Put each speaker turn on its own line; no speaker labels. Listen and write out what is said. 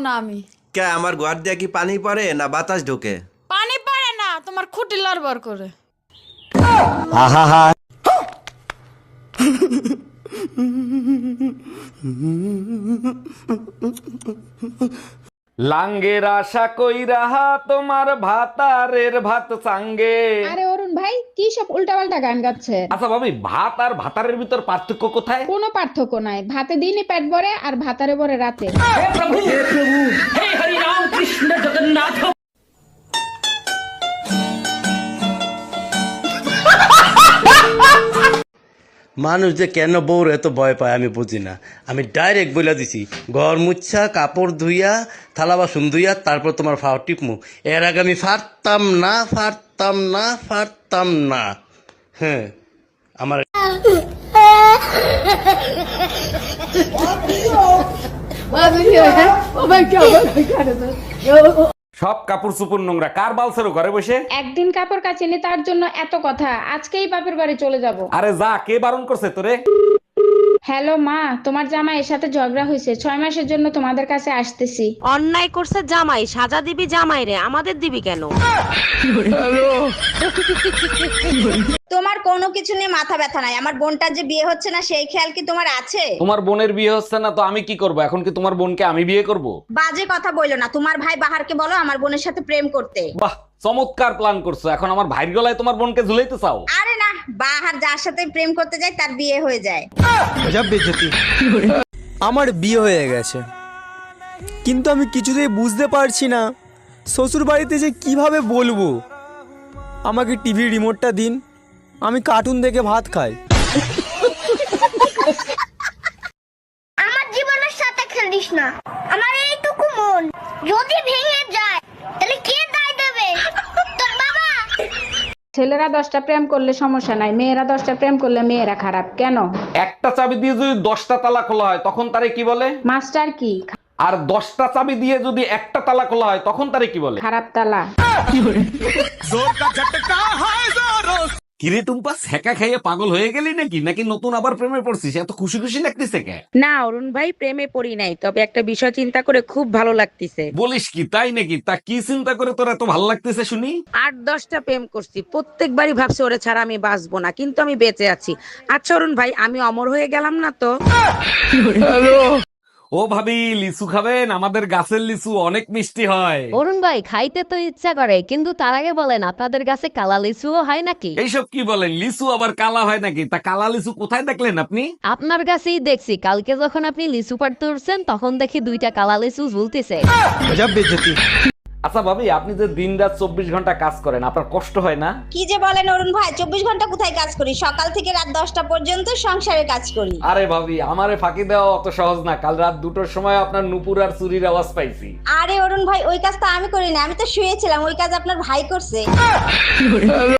না আমি।
কে আমার ঘর দিয়ে কি পানি পড়ে না বাতাস ঢোকে?
পানি পড়ে না, তোমার খুঁটি লড়বড় করে।
লাঙ্গের আশা কইরা তোমার ভাতারের ভাত সাঙ্গে।
আরে অরুণ ভাই কি সব উল্টাপাল্টা গান গাচ্ছে?
আচ্ছা ভাবি, ভাত আর ভাতারের ভিতর পার্থক্য কোথায়?
কোনো পার্থক্য নাই, ভাতে দিনে পেট ভরে আর ভাতারে ভরে রাতে।
মানুষ যে কেন বউর এত ভয় পায় আমি বুঝি না। আমি ডাইরেক্ট বলে দিছি, ঘর মুচ্ছা কাপড় ধুইয়া থালা বাসন ধুইয়া তারপর তোমার ফাও টিপমু। এর আগে আমি ফারতাম না। হ্যাঁ, আমার
সব কাপড় চুপুর নোংরা, কার বালছেরো ঘরে বসে?
একদিন কাপড় কাচিনি তার জন্য এত কথা, আজকেই বাপের বাড়ি চলে যাব।
আরে যা, কে বারণ করছে তোরে?
হ্যালো মা, তোমার জামাইয়ের সাথে ঝগড়া হয়েছে, 6 মাসের জন্য তোমাদের কাছে আসতেছি।
অন্যায় করছে জামাই, সাজা দিবি জামাই রে, আমাদের দিবি কেন?
তোমার কোনো কিছু নিয়ে মাথা ব্যথা নাই, আমার বোনটার যে বিয়ে হচ্ছে না সেই খেয়াল কি তোমার আছে?
তোমার বোনের বিয়ে হচ্ছে না তো আমি কি করব? এখন কি তোমার বোনকে আমি বিয়ে করব?
বাজে কথা বইলো না, তোমার ভাই বাহারকে বলো আমার বোনের সাথে প্রেম করতে।
বাহ, চমৎকার প্ল্যান করছো। এখন আমার ভাইয়ের গলায় তোমার বোনকে ঝুলাইতে চাও?
আরে না, বাহার যার সাথে প্রেম করতে যায় তার বিয়ে হয়ে যায়।
আমার বিয়ে হয়ে গেছে, কিন্তু আমি কিছুতেই বুঝতে পারছি না শ্বশুর বাড়িতে যে কিভাবে বলবো আমাকে টিভি রিমোটটা দিন, আমি কার্টুন দেখে ভাত খাই।
আমার জীবনের সাথে খেলিস না, আমার এইটুকু মন যদি ভেঙে যায় তাহলে কে দায় দেবে? তোর বাবা।
ছেলেরা 10টা প্রেম করলে সমস্যা নাই, মেয়েরা 10টা প্রেম করলে মেয়েরা খারাপ কেন?
একটা চাবি দিয়ে যদি 10টা তালা খোলা হয় তখন তারে কি বলে?
মাস্টার কি?
আর 10টা চাবি দিয়ে যদি একটা তালা খোলা হয় তখন তারে কি বলে?
খারাপ তালা।
কিরে টুম্পা, সেকা খাইয়ে পাগল হয়ে গেলি নাকি নতুন আবার প্রেমে পড়ছিস? এত খুশি খুশি লাগতেছে কে?
না অরুণ ভাই, প্রেমে পড়ি নাই, তবে একটা বিষয় চিন্তা করে খুব ভালো লাগতেছে।
বলিস কি, তাই নাকি? তা কি চিন্তা করে তোর এত ভালো লাগতেছে শুনি?
8-10টা প্রেম করছি, প্রত্যেকবারই ভাবছি ওরে ছাড়া আমি বাঁচবো না, কিন্তু আমি বেঁচে আছি। আচ্ছা অরুণ ভাই, আমি অমর হয়ে গেলাম না তো?
ও ভাবি, লিচু খাবেন? আমাদের গাছের লিচু অনেক মিষ্টি হয়।
অরুণ ভাই, খাইতে তো ইচ্ছা করে, কিন্তু তার আগে বলেন আপনাদের কাছে কালা লিচুও হয় নাকি?
এইসব কি বলেন? লিচু আবার কালা হয় নাকি? তা কালা লিচু কোথায় দেখলেন আপনি?
আপনার কাছেই দেখছি, কালকে যখন আপনি লিচু পাড়তে উঠছেন তখন দেখি 2টা কালা লিচু ঝুলতেছে।
আচ্ছা ভাবি, আপনি যে দিন রাত 24 ঘন্টা কাজ করেন, আপনার কষ্ট হয় না?
কি যে বলেন অরুণ ভাই, 24 ঘন্টা কোথায় কাজ করি? সকাল থেকে রাত 10টা পর্যন্ত সংসারে কাজ করি।
আরে ভাবি, আমারে ফাঁকি দেওয়া অত সহজ না। কাল রাত 2টোর সময় আপনার নুপুর আর চুরির আওয়াজ পাইছি।
আরে অরুণ ভাই, ওই কাজ তো আমি করি না, আমি তো শুয়েছিলাম, ওই কাজ আপনার ভাই করছে।